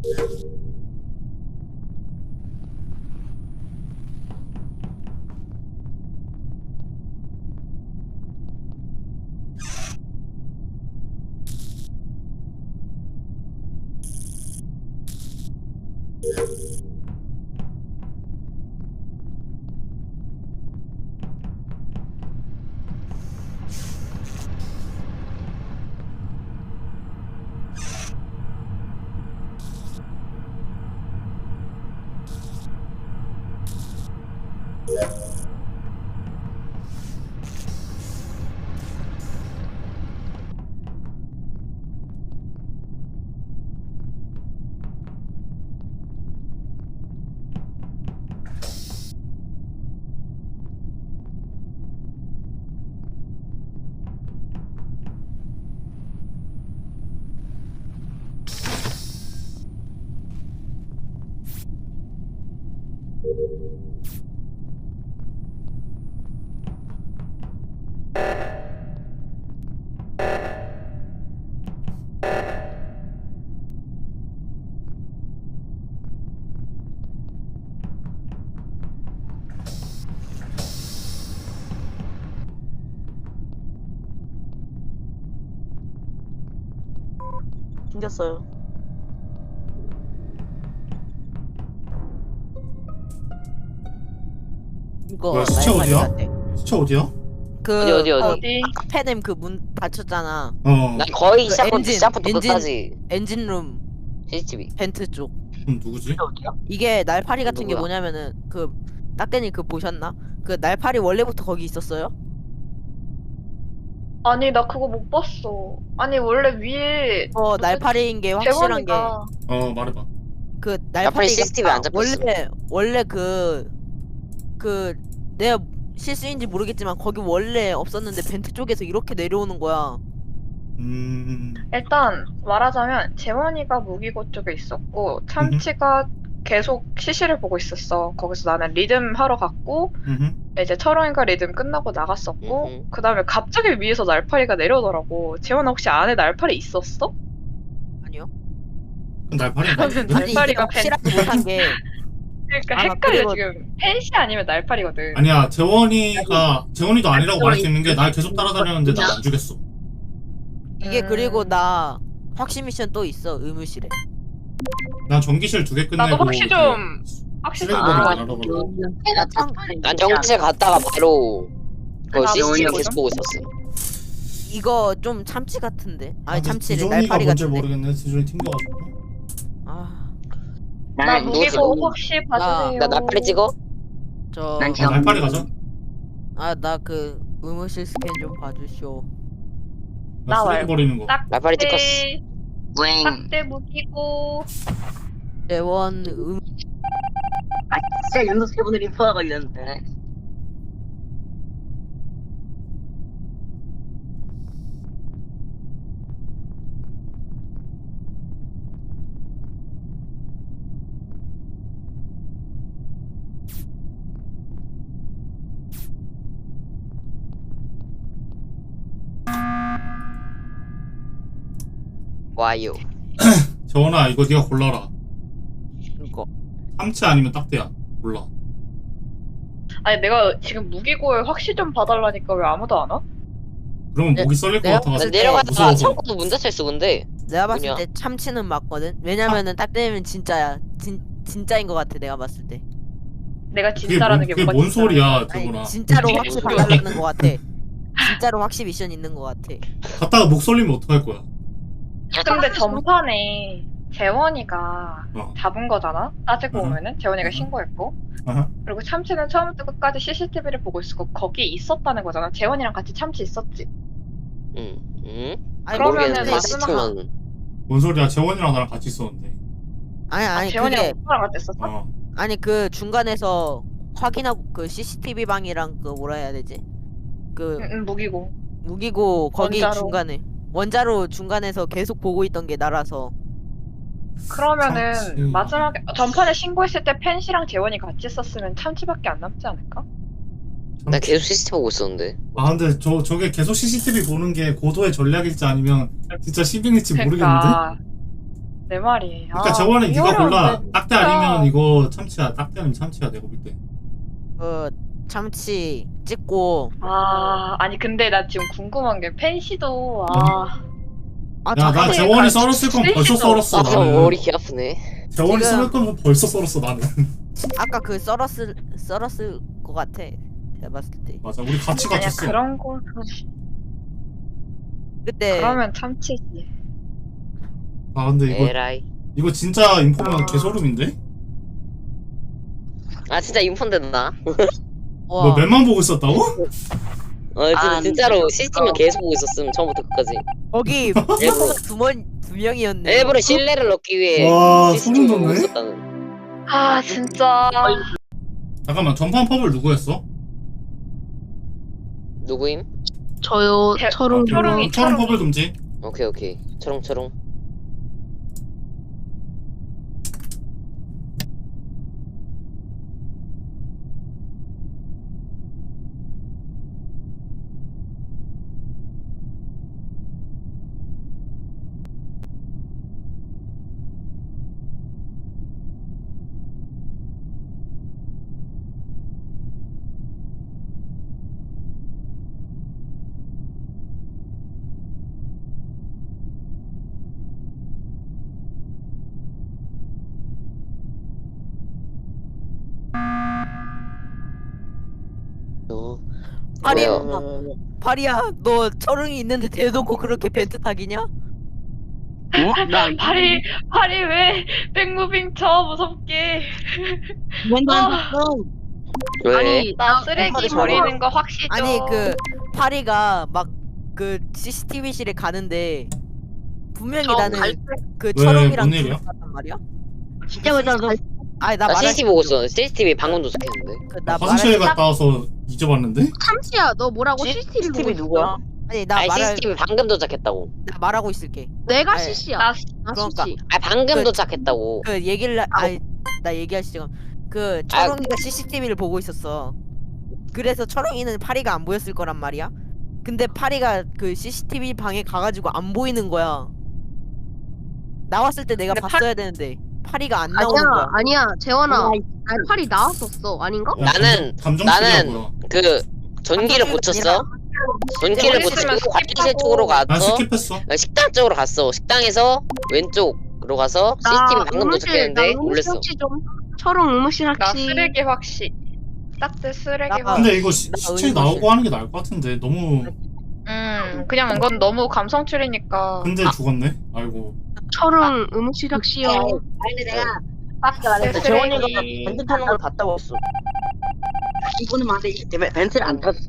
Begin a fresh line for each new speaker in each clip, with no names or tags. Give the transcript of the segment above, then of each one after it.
생겼어요.
이거
뭐야, 시체
날파리
어디야?
같아.
시체 어디야?
그
어디?
페넴 그 문 닫혔잖아.
난 거의
그
시작부터
엔진.
끝까지
엔진룸
CCTV.
벤트 쪽.
누구지?
이게 날파리 같은 게
누구야?
뭐냐면은 그 딱대니 그 보셨나? 그 날파리 원래부터 거기 있었어요?
아니 나 그거 못 봤어. 아니 원래 위에
날파리인 게 확실한 게
재원이가
말해봐.
그
날파리
날파리가
CCTV 안 잡혔어.
원래 내가 실수인지 모르겠지만 거기 원래 없었는데 벤트 쪽에서 이렇게 내려오는 거야.
일단 말하자면 재원이가 무기고 쪽에 있었고 참치가 계속 CC를 보고 있었어. 거기서 나는 리듬 하러 갔고 이제 철원이가 리듬 끝나고 나갔었고 그 다음에 갑자기 위에서 날파리가 내려오더라고. 재원아 혹시 안에 날파리 있었어?
아니요.
날파리
그러면
맞는데?
아니 이게
날파리가
확실하지 못한 게
그러니까
아,
헷갈려
그리고-
지금. 펜시 아니면 날파리거든.
아니야, 재원이도 아니라고 말할 수 있는 게 날 계속 따라다녔는데 나 안 죽였어.
이게 그리고 나 확신 미션 또 있어 의무실에.
난 전기실 2개 끝내고
나도 혹시 좀 확실히
쓰레기 버리고
아,
알아보려고.
난 정체 갔다가 바로 그
아,
CCTV
뭐냐고?
계속 보고 있었어.
이거 좀 참치 같은데. 아니
근데
참치래
지존이가
날파리
뭔지
같은데.
모르겠네. 지존이 튕겨가지고.
아,
나
누구
무기고
들어?
혹시 봐주세요.
나 날파리 찍어?
저
날파리 가자.
나 그 의무실 스캔 좀 봐주쇼.
나
나
쓰레기
말고.
버리는 거.
날파리 찍었어.
딱대 무기고.
재원
진짜 연속 3번을 인포가 걸렸는데.
와요.
재원아, 이거 네가 골라라.
이거
참치 아니면 딱대야. 몰라.
아니 내가 지금 무기고에 확실 좀 봐달라니까 왜 아무도 안 와?
그러면
네,
목이 썰릴 것
내가
나
같아가지고.
내려가다가
무서워서.
창고도 문 닫혀있어 근데.
내가 봤을
뭐냐?
때 참치는 맞거든. 왜냐면은 딱 되면 진짜야. 진짜인 것 같아 내가 봤을 때.
내가 진짜라는 게
그게
뭐가
뭔
진짜야?
소리야,
아니
재원아.
진짜로
이게
확실
무슨
봐달라는 것 같아. 진짜로 확실 미션 있는 것 같아.
갔다가 목 썰리면 어떡할 거야?
근데 전판에 재원이가
어.
잡은 거잖아? 따지고
어허.
보면은 재원이가
어허.
신고했고
아하.
그리고 참치는 처음부터 끝까지 CCTV를 보고 있었고 거기 있었다는 거잖아. 재원이랑 같이 참치 있었지.
응. 응?
아니
그러면은
모르겠는데
마지막-
CCTV만.
뭔 소리야? 재원이랑 나랑 같이 있었는데.
아니
재원이랑
그게
오빠랑 같이 있었어?
어.
아니 그 중간에서 확인하고 그 CCTV 방이랑 그 뭐라 해야 되지? 그
응, 무기고.
무기고 거기
원자로.
중간에 원자로 중간에서 계속 보고 있던 게 나라서.
그러면은
참치.
마지막에 전판에 신고했을 때 펜시랑 재원이 같이 있었으면 참치밖에 안 남지 않을까?
나 계속 CCTV 보고 있었는데.
아, 근데 저게 계속 CCTV 보는 게 고도의 전략일지 아니면 진짜 시빙일지 모르겠는데?
그러니까 내 말이.
그러니까 재원이 네가
이거는
골라.
왜-
딱대 아니면 이거 참치야. 딱대 아니면 참치야. 내가 볼 때.
그 참치 찍고
아니 근데 나 지금 궁금한 게 펜시도
아
야, 나
잠깐만.
재원이 썰었을 거면 벌써 썰었어.
아
나는.
머리 개 아프네.
재원이
지금-
썰을 거면 벌써 썰었어 나는.
아까 그 썰었을 것 같아. 내가 봤을 때.
맞아. 우리 같이
아니야
갇혔어.
그런 거
그때
그러면 참치지.
아 근데
에라이.
이거 진짜 인포면 개소름인데?
아 진짜 인폰데 나.
와.
뭐 맵만 보고 있었다고?
진짜로 CCTV만 계속 보고 있었음 처음부터 끝까지.
거기 두 명이었네.
일부러 신뢰를 얻기 위해
와,
CCTV
소름
보고
돋네.
있었다는.
진짜.
잠깐만 전판 펍을 누구 했어?
누구임?
저요
대-
철웅
철웅이-
철옹 펍을 금지.
오케이. 초롱초롱.
아니,
왜요?
파리야, 너 철웅이 있는데 대놓고 그렇게 벤트 타기냐?
어? 나
팔이 왜 백무빙 쳐 무섭게.
맨날
왜?
아니
나 쓰레기
팔이
버리는 거 확실히.
아니 그 파리가 막 그 CCTV실에 가는데 분명히 나는 그
왜,
철웅이랑
뭔 일이야?
둘이 봤단 말이야.
진짜 왜 나도
아니 나
나
말할
CCTV 보고 있어. CCTV 방금 도착했는데.
나
화장실에
말할
갔다 와서 잊어봤는데?
참치야 너 뭐라고 CCTV 보고
CCTV
있어?
누구야?
아니 나
아니
말할
CCTV 방금 도착했다고.
나 말하고 있을게.
내가
아니,
CC야
나
그러니까.
CC
아 방금
그-
도착했다고.
그 얘기를 아니 나 얘기할 시간. 그 철웅이가 CCTV를 보고 있었어. 그래서 철웅이는 파리가 안 보였을 거란 말이야. 근데 파리가 그 CCTV 방에 가가지고 안 보이는 거야. 나왔을 때 내가
근데
봤어야 되는데 파리가 안 나오는
아니야
거야.
아니야 재원아
아이,
아니 팔이 나왔었어 아닌가?
야,
나는-
감정실이라고요.
그 전기를 고쳤어. 전기를
있으면
고치고 화장실
스킵하고.
쪽으로
난
가서
스킵했어.
식당 쪽으로 갔어. 식당에서 왼쪽으로 가서 CCTV 방금 도착했는데 올렸어.
혹시 좀 철웅 의무실
나
학시
쓰레기 확실. 딱대 쓰레기
나-
확실.
근데 이거
나
시체
의무실.
나오고 하는 게 나을 것 같은데 너무
그냥 이건 너무 감성출이니까.
근데 죽었네. 아이고.
철웅 의무실 학시요
아니 내가 딱히 말했어. 재원이가 벤트 타는 걸 봤다고 했어. 이거는 안돼. 벤트를 안 탔어.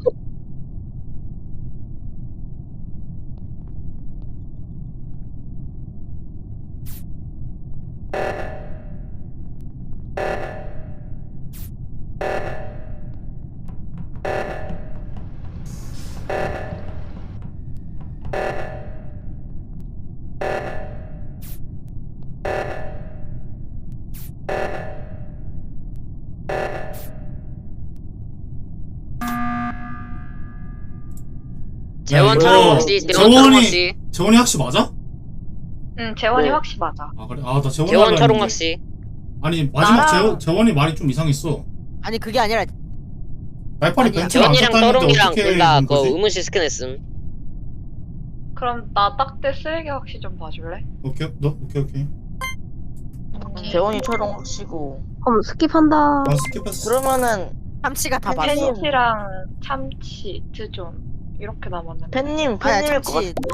재원
이거
촬영 혹시 재원 촬영 혹시
재원이 학시 맞아?
재원이
네.
확실 맞아.
아 그래? 아 나 재원이
재원
하려
촬영
했는데.
혹시
아니 마지막
나랑-
재원이 말이 좀 이상했어.
아니 그게 아니라
날파리
아니야.
벤츠를 안
재원이랑
탔다는데
떠롱이랑
어떻게
둘 다
된
그
거지?
의무실 스캔했음.
그럼 나 딱대 쓰레기 확실 좀 봐줄래?
오케이 오케이.
재원이 촬영 확시고.
그럼 스킵한다
난 스킵했어.
그러면은
참치가 다 봤어.
펜시랑 참치, 드존 이렇게 남았는데.
팬님일 것
참치.
같은데.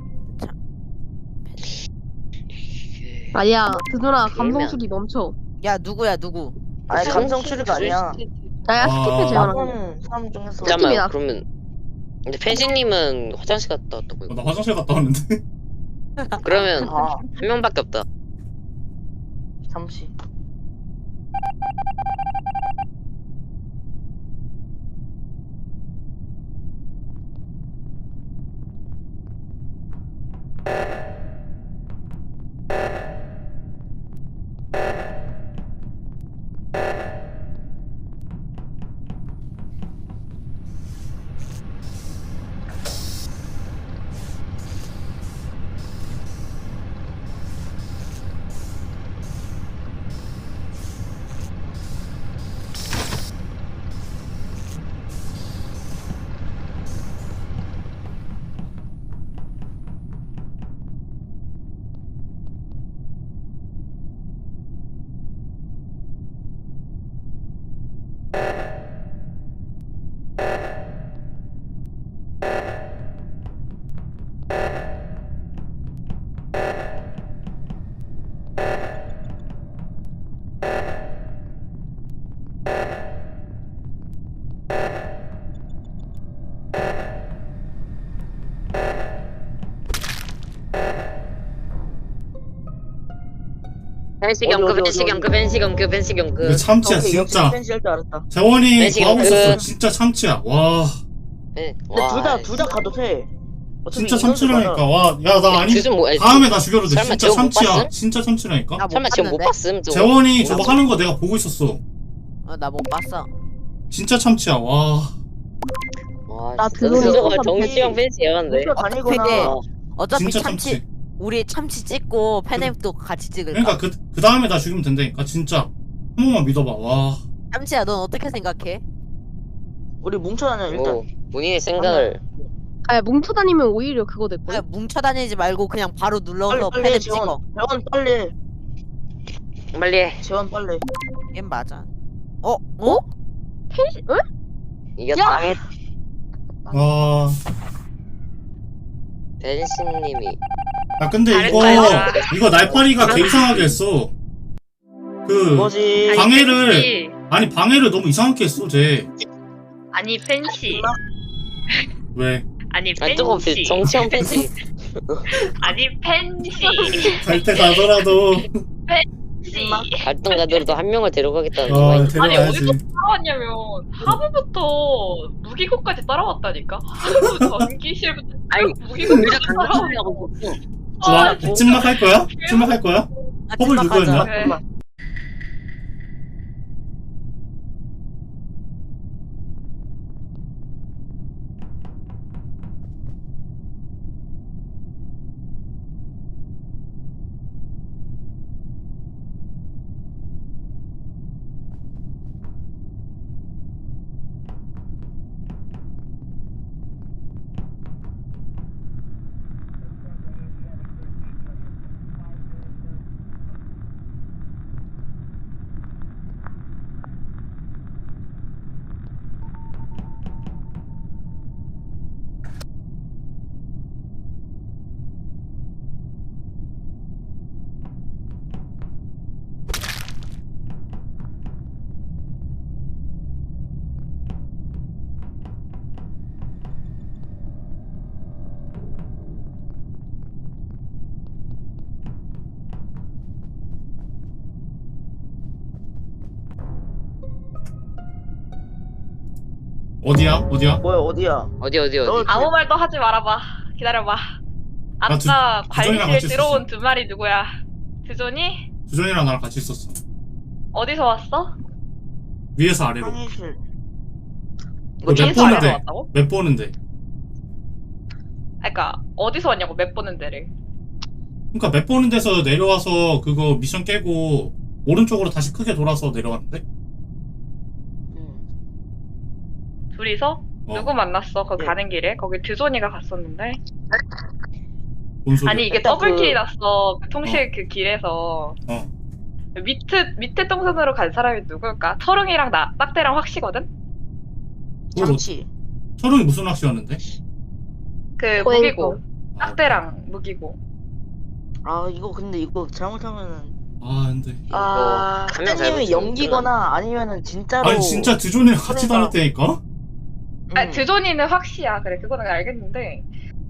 아니야 드누나 감성술이 멈춰
야 누구야 누구?
아니
참치,
감성 추리가 아니야.
나야
아.
스킵해 재원아
나쁜 사람 중에서
잠깐만.
잠깐만 그러면 근데 펜시님은 화장실 갔다 왔다고요.
나 화장실 갔다 왔는데.
그러면
아
한 명밖에 없다.
잠시.
벤시
어디,
경크
어디,
벤시
어디,
경크
어디.
벤시 경크 벤시
이거
경크.
참치야
오케이, 역시
진짜.
펜시 할줄 알았다.
재원이
벤시
뭐 하고
경크.
있었어. 진짜 참치야. 와
네.
근데 둘 다 가도 돼. 어차피
진짜
인원수
참치라니까.
많아.
와 야 나 아니
주준 뭐?
다음에 나 죽여도 돼.
설마
진짜
저거 못
참치야.
봤음?
진짜 참치라니까.
나못
설마 지금 못
봤는데?
봤음 저거?
재원이 저거 하는 거 내가 보고 있었어.
나 못 봤어.
진짜 참치야. 와.
와,
나
진짜
그거
저거
못
정치형 벤시야 근데.
학교 다니거나
근데
어.
어차피
진짜
참치,
참치.
우리 참치 찍고 팬앱도 같이 찍을까?
그러니까 그 다음에 나 죽이면 된다니까. 진짜 한 번만 믿어봐. 와.
참치야, 넌 어떻게 생각해?
우리 뭉쳐다녀 일단.
뭐 본인의 생각을.
아 뭉쳐 다니면 오히려 그거 됐고.
그냥 뭉쳐 다니지 말고 그냥 바로 눌러서
빨리
팬앱
재원.
찍어.
재원 빨리.
빨리 해.
재원 빨리.
얘 맞아. 어?
펜시? 응?
이겼다.
와.
벤시님이.
야 근데
잘했다,
이거 날파리가 개 이상하게 했어. 그
뭐지?
방해를 아니 방해를 너무 이상하게 했어 쟤.
아니 펜시.
왜?
아니
아 저거 정치형 벤시.
아니 펜시.
갈 때 가더라도
갈등 가더라도 한 명을 데려가겠다는
어
거야.
데려가야지.
따라왔냐면 하부부터 무기고까지 따라왔다니까. 하부 전기실부터
아니
무기고까지 따라왔어.
하려고
와 찐막 할 거야? 찐막 할 거야?
아,
허블
찐막
누구였냐?
하자.
그래.
어디야?
뭐야 어디야?
어디.
너
아무 말도 하지 말아봐. 기다려봐. 아까
두존이랑
관리실
같이
들어온
있었어.
두 마리 누구야? 두존이?
주전이랑 나랑 같이 있었어.
어디서 왔어?
위에서 아래로.
상의실.
몇
위에서 아래로
보는데?
왔다고?
몇 보는데?
그러니까 어디서 왔냐고 몇 보는 데를.
그러니까 몇 보는 데서 내려와서 그거 미션 깨고 오른쪽으로 다시 크게 돌아서 내려갔는데?
둘이서?
어.
누구 만났어? 거기
예.
가는 길에? 거기 드존이가 갔었는데.
뭔 소리야?
아니 이게
일단
더블킬이
그-
났어. 그 통실 그 길에서.
어.
밑에 동선으로 간 사람이 누굴까? 철웅이랑 딱대랑 확시거든?
그걸
참치.
철웅이 무슨 낚시였는데?
그
고행고.
무기고. 딱대랑 무기고.
아 이거 근데 이거 잘못하면은
아 근데
아,
한명
학생님이 연기거나 아니면은 진짜로.
아니 진짜 드존이랑 같이
그러니까.
다녔다니까?
아니, 드존이는 확시야. 그래, 그거는 알겠는데.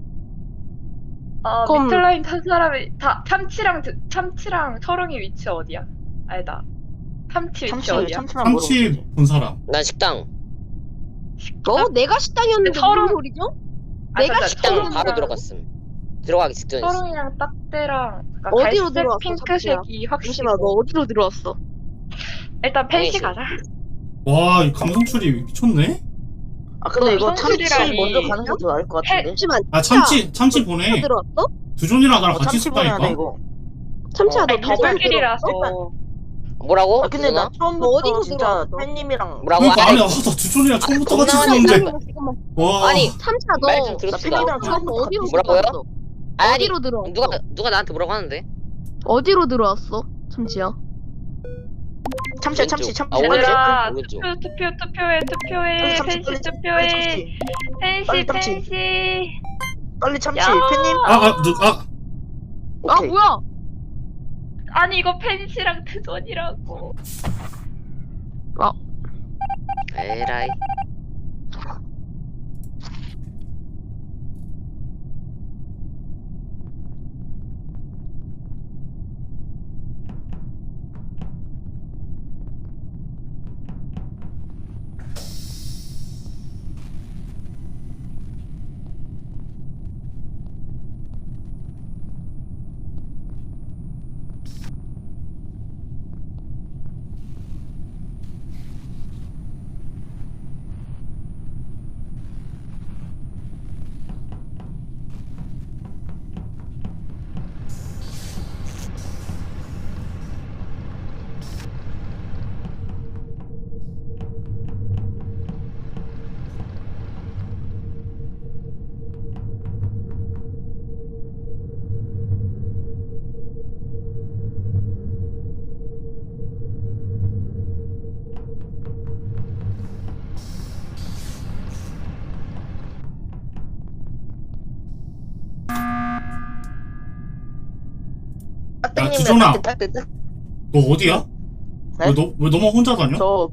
아,
그럼-
미틀라인 탄 사람이 다 참치랑 철웅이 위치 어디야? 아니다. 참치 위치 어디야?
참치랑
참치 본 사람.
난 식당.
어? 내가 식당이었는데
서로-
무슨 소리죠?
아,
내가
잠깐,
식당
철웅이랑-
바로 들어갔음. 들어가기 직전이었어.
철웅이랑 딱대랑 그러니까
어디로
갈색,
들어왔어,
핑크색이 확실히.
잠시만 너 어디로 들어왔어?
일단 펜시
펜시.
가자.
와, 이 감성출이 미쳤네?
아 근데 이거 참치
성실이랑
먼저
이-
가는 게 더 나을 것 같은데.
잠시만
아, 참치 보내.
어디로 들어왔어?
두존이랑 나랑 같이
참치 보내야 돼
있었다니까?
이거.
참치야 너
아니,
무슨
더블킬이라서.
뭐라고?
아 근데 나
누나?
처음부터
어디로
진짜
들어왔어?
팬님이랑
뭐라고?
그러니까
아니,
아니, 나 두존이랑 처음부터 같이
겁나
있었는데.
잠깐만.
와.
아니,
참치야 너
말 좀 들읍시다.
팬이랑
들어왔어 어디로
뭐라고요?
들어왔어?
아니,
어디로 들어왔어?
누가 나한테 뭐라고 하는데?
어디로 들어왔어? 참치야
참치야
왼쪽.
참치 참치.
아, 오른쪽?
얘들아,
오른쪽.
참치,
투표해.
참치,
펜시
빨리
투표해.
빨리 참치.
펜시.
빨리 참치
야.
팬님.
아
오케이.
뭐야
아니 이거 펜시랑 드존이라고.
에라이.
야, 주전아.
딱딱딱.
너 어디야?
네?
왜 너만 혼자 다녀?
저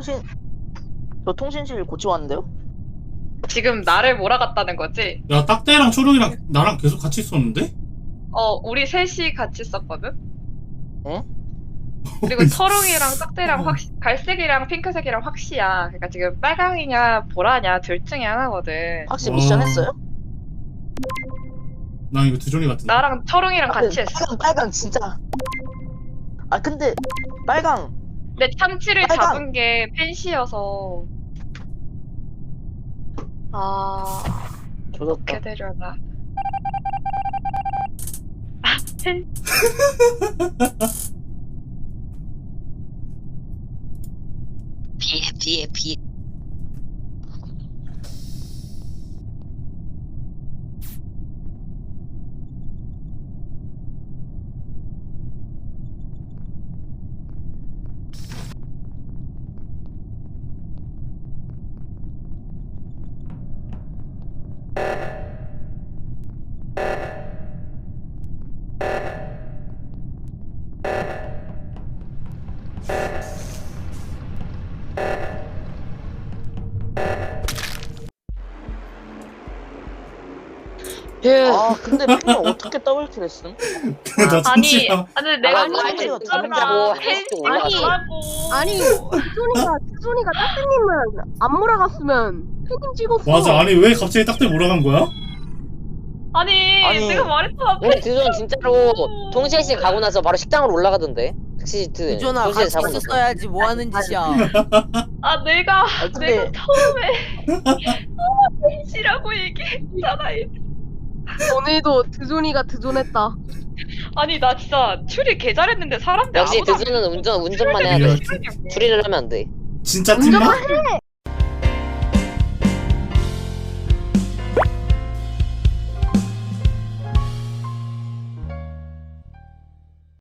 통신실 고치고 왔는데요.
지금 나를 몰아갔다는 거지?
야, 딱대랑 초록이랑 나랑 계속 같이 있었는데?
우리 셋이 같이 썼거든?
에?
그리고 철웅이랑 딱대랑 갈색이랑 핑크색이랑 확시야. 그러니까 지금 빨강이냐 보라냐 둘 중에 하나거든.
확실히 미션
와.
했어요?
난 이거 두종이 같은데.
나랑 철웅이랑 같이 했어.
빨강 진짜. 아 근데 빨강
근데 참치를
빨강.
잡은 게 펜시여서
조졌다.
어떻게 되려나. 펜
피해.
아 근데 핑을 어떻게 더블킬 했음?
나 참치야.
아니 내가
아니,
말을
아니,
했잖아.
펜시 올라갔어.
아니 수준이가 따뜻님을 안 몰아갔으면 팬님 찍었어.
맞아. 아니 왜 갑자기 딱대 몰아간 거야?
아니.
내가 말했잖아.
우리 두종 진짜로 통신실 가고 나서 바로 식당으로 올라가던데. 택시트
유전아
통신실
같이
잡고 나서.
있었어야지 뭐 하는 짓이야.
내가
아 근데
처음에 펜시라고 얘기했잖아.
오늘도 드존이가 드존했다.
아니 나 진짜 추리 개 잘했는데 사람들
역시
아무도 안
두종은 운전만 해야
야,
돼. 추리를 하면 안 돼.
진짜 팀마?